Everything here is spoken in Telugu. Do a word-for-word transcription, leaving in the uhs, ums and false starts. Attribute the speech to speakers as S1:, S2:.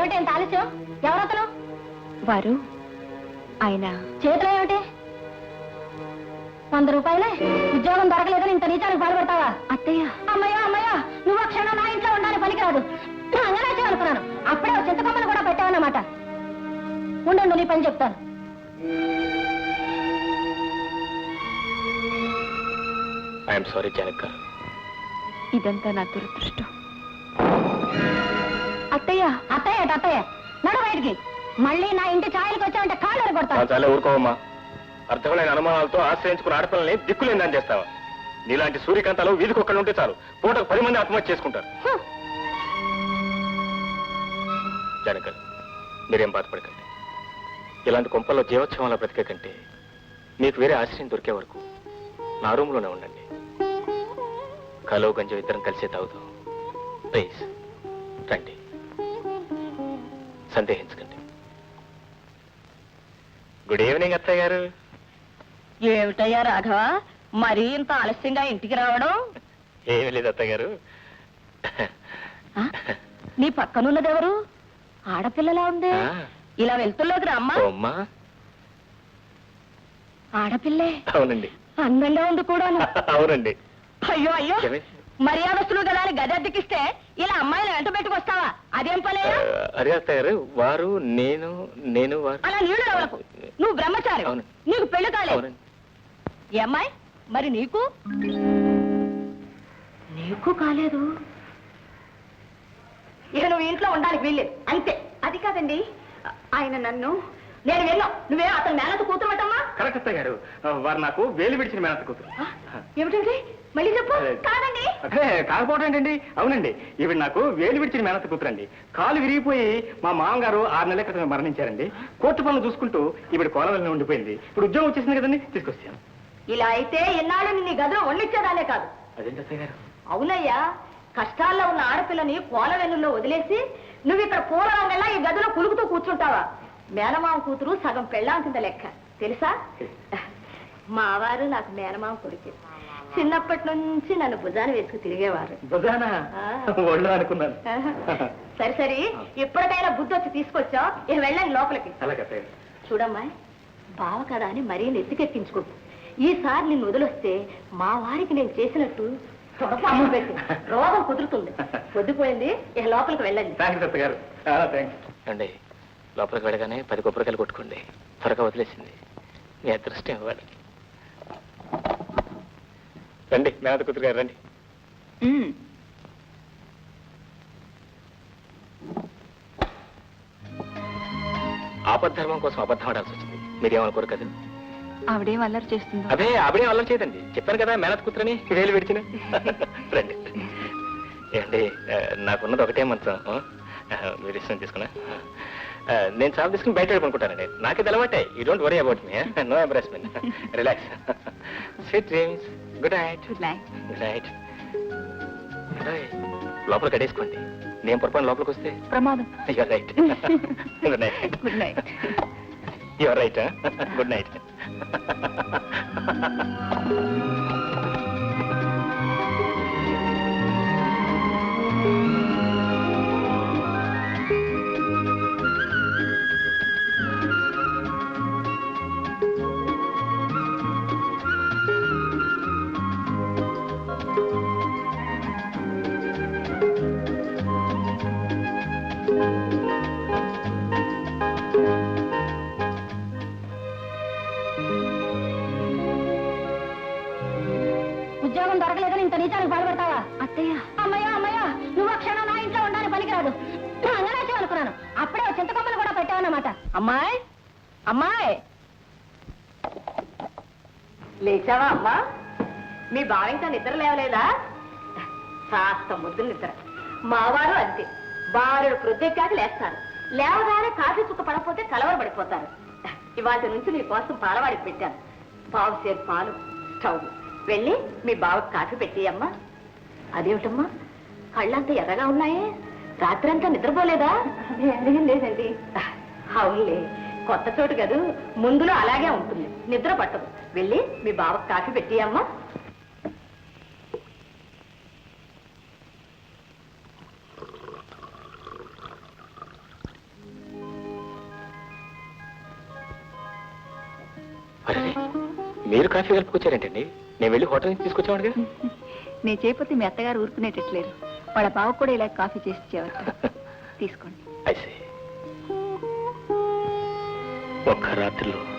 S1: ఏమిటి ఎంత ఆలస్యం? ఎవరతను?
S2: వారు ఆయన.
S1: చేతిలో ఏమిటి? వంద రూపాయలే. ఉద్యోగం దొరకలేదని ఇంత నీచానికి బాధపడతావా?
S2: అత్తయ్య.
S1: అమ్మయ్యా అమ్మయ్యా, నువ్వు ఆ క్షణం నా ఇంట్లో ఉండాలని పనికిరాదు. అంగనాచే అనుకున్నాను. అప్పుడే చింతకొమ్మను కూడా పెట్టావన్నమాట. ఉండు, నీ పని చెప్తాను.
S3: ఐఎమ్ సారీ జనక్ గారు,
S2: ఇదంతా నా దురదృష్టం. అత్తయ్య.
S1: అత్తయ్య అత్తయ్య, నడు బయటికి. మళ్ళీ నా ఇంటి ఛాయలకు వచ్చావంటే కాళ్ళు కొడతా.
S3: చాలా ఊరుకోవమ్మా. అర్థమైన అనుమానాలతో ఆశ్రయించుకున్న ఆడపిల్లల్ని దిక్కులేందని చేస్తావా? నీలాంటి సూర్యకాంతాలు వీధికొక్కడు ఉంటే చాలు, పూటకు పది మంది ఆత్మహత్య చేసుకుంటారు. జనక్ గారు, మీరేం బాధపడకండి. ఇలాంటి కొంపల్లో జీవోత్సవంలో బ్రతికే కంటే మీకు వేరే ఆశ్రయం దొరికే వరకు నా రూమ్లోనే ఉండండి. కలో గంజం ఇద్దరం కలిసే తాగుతాం. ప్లీజ్ రండి, సందేహించకండి. గుడ్ ఈవినింగ్ అత్తయ్య గారు.
S1: ఏమిటయ్యా రాఘవ, మరీ ఇంత ఆలస్యంగా ఇంటికి రావడం?
S3: ఏమి లేదు అత్తయ్య గారు.
S1: నీ పక్కనున్నదెవరు? ఆడపిల్లలా ఉంది. ఇలా వెళ్తుల్లోకి రామ్మా.
S3: అమ్మా.
S1: ఆడపిల్లే.
S3: అవునండి.
S1: అందంగా ఉంది కూడా.
S3: అవునండి.
S1: అయ్యో అయ్యో, మర్యాదస్తులు కదా అని గది అద్దెకిస్తే ఇలా అమ్మాయిలు వెంట పెట్టుకొస్తావా? అదేం పలే?
S3: అదే అత్తయ్య గారు, వారు నేను నేను వారు.
S1: అలా నీళ్లు రావలకు. నువ్వు బ్రహ్మచారి, నీకు పెళ్లి కాలేదు. ఏ అమ్మాయి మరి? నీకు నీకు కాలేదు. ఇక నువ్వు ఇంట్లో ఉండడానికి వీల్లేదు, అంతే. అది కాదండి, ఆయన నన్ను. నేను వెళ్ళాం, నువ్వే అతను మేనత కూతురు అటమ్మా.
S3: కరెక్ట్ అత్తయ్య గారు, వారు నాకు వేలు విడిచిన మేనత కూతురు.
S1: ఏమిటండి? మళ్ళీ చెప్పు. కాదండి.
S3: అదే కాకపోవడం ఏంటండి? అవునండి, ఈవిడ నాకు వేలు విడిచిన మేనత కూతురండి. కాలు విరిగిపోయి మా మామగారు ఆరు నెలల క్రితం మరణించారండి. కోర్టు పనులు చూసుకుంటూ ఈవిడ కోలవెల్లి ఉండిపోయింది. ఇప్పుడు ఉద్యోగం వచ్చేసింది కదండి, తీసుకొచ్చాను.
S1: ఇలా అయితే ఎన్నాళ్ళు నీ గదిలో వండించేదాలే కాదు.
S3: అదేంటి అత్తయ్య గారు?
S1: అవునయ్యా, కష్టాల్లో ఉన్న ఆడపిల్లని కోలవెల్లుల్లో వదిలేసి నువ్వు ఇక్కడ పూల రంగల్లా ఈ గదిలో కులుకుతూ కూర్చుంటావా? మేనమామ కూతురు సగం పెళ్ళాం కింద లెక్క, తెలుసా? మావారు నాకు మేనమామ కొడుకు. చిన్నప్పటి నుంచి నన్ను భుజాన వేసుకు తిరిగేవారు.
S3: భుజానా? ఒళ్ళు అనుకున్నాను.
S1: సరి సరి, ఎప్పటికైనా బుద్ధి వచ్చి తీసుకొచ్చావు. ఇక వెళ్ళండి లోపలికి. చూడమ్మా, బావ కదా అని మరీ నెత్తికెక్కించుకో. ఈసారి నిన్ను వదిలొస్తే మా వారికి నేను చేసినట్టు అమ్మ పెట్టి రోగం కుదురుతుంది. పొద్దుపోయింది, ఇక లోపలికి వెళ్ళండి.
S3: అండి, లోపలికి వెళ్ళగానే పది కొబ్బరికాయలు కొట్టుకోండి. త్వరగా వదిలేసింది, మీ అదృష్టం ఇవ్వాలి. రండి మేనత కూతురు గారు, రండి. ఆపద్ధర్మం కోసం అబద్ధం ఆడాల్సి వచ్చింది. మీరేమనుకోరు కదా?
S2: ఆవిడేం అల్లరి చేస్తుంది?
S3: అదే ఆవిడేం అల్లరి చేయదండి. చెప్పాను కదా మేనత కూతురని వేలు విడిచిన. రండి. ఏంటి, నాకున్నది ఒకటే మంచం. మీరు ఇష్టం తీసుకున్నా. నేను చాలు తీసుకుని బయట అనుకుంటానండి. నాకే అలవాటే. You don't worry about me. No embarrassment. Relax. Sweet dreams. Good night.
S2: Good night.
S3: Good night. లోపల కడేసుకోండి. నేను పొరపాటు లోపలికి వస్తే
S2: ప్రమాదం.
S3: You're right. Good night.
S2: Good night.
S3: You're right. Good night.
S1: ఉద్యోగం దొరకలేదని ఇంత నీచానికి బాధపడతావా?
S2: అత్తయ్య.
S1: అమ్మయ్యా అమ్మయ్యా, నువ్వు ఆ క్షణం నా ఇంట్లో ఉండడానికి పనికిరాదు. అంగనాచే అనుకున్నాను. అప్పుడే చింతకొమ్మలు కూడా పెట్టావన్నమాట. అమ్మాయి అమ్మాయి, లేచావా అమ్మా? మీ బావ ఇంకా నిద్ర లేవలేదా? కాస్త ముద్దు నిద్ర. మావారు అంతే, బారుడు ప్రొద్దెక్కాక లేస్తారు. లేవగానే కాఫీ చుక్క పడకపోతే కలవరపడిపోతారు. ఇవాటి నుంచి నీ కోసం పాలవాడికి పెట్టాను. పావు సేపు పాలు, స్టవ్. వెళ్ళి మీ బావకు కాఫీ పెట్టియమ్మా. అదేమిటమ్మా, కళ్ళంతా ఎర్రగా ఉన్నాయే? రాత్రంతా నిద్రపోలేదా? లేదండి. అవునులే, కొత్త చోటు కదూ, ముందులో అలాగే ఉంటుంది, నిద్ర పట్టదు. వెళ్ళి మీ బావకు కాఫీ పెట్టియమ్మా.
S3: అరే మీరు కాఫీ కలుపుకొచ్చారేంటండి? నేను వెళ్ళి హోటల్ నుంచి తీసుకొచ్చామడుగా.
S2: నేను చేయకపోతే మీ అత్తగారు ఊరుకునేటట్లేరు. వాళ్ళ బావ కూడా ఇలా కాఫీ చేసి ఇచ్చేవారు. తీసుకోండి.
S3: అయితే ఒక్క రాత్రిలో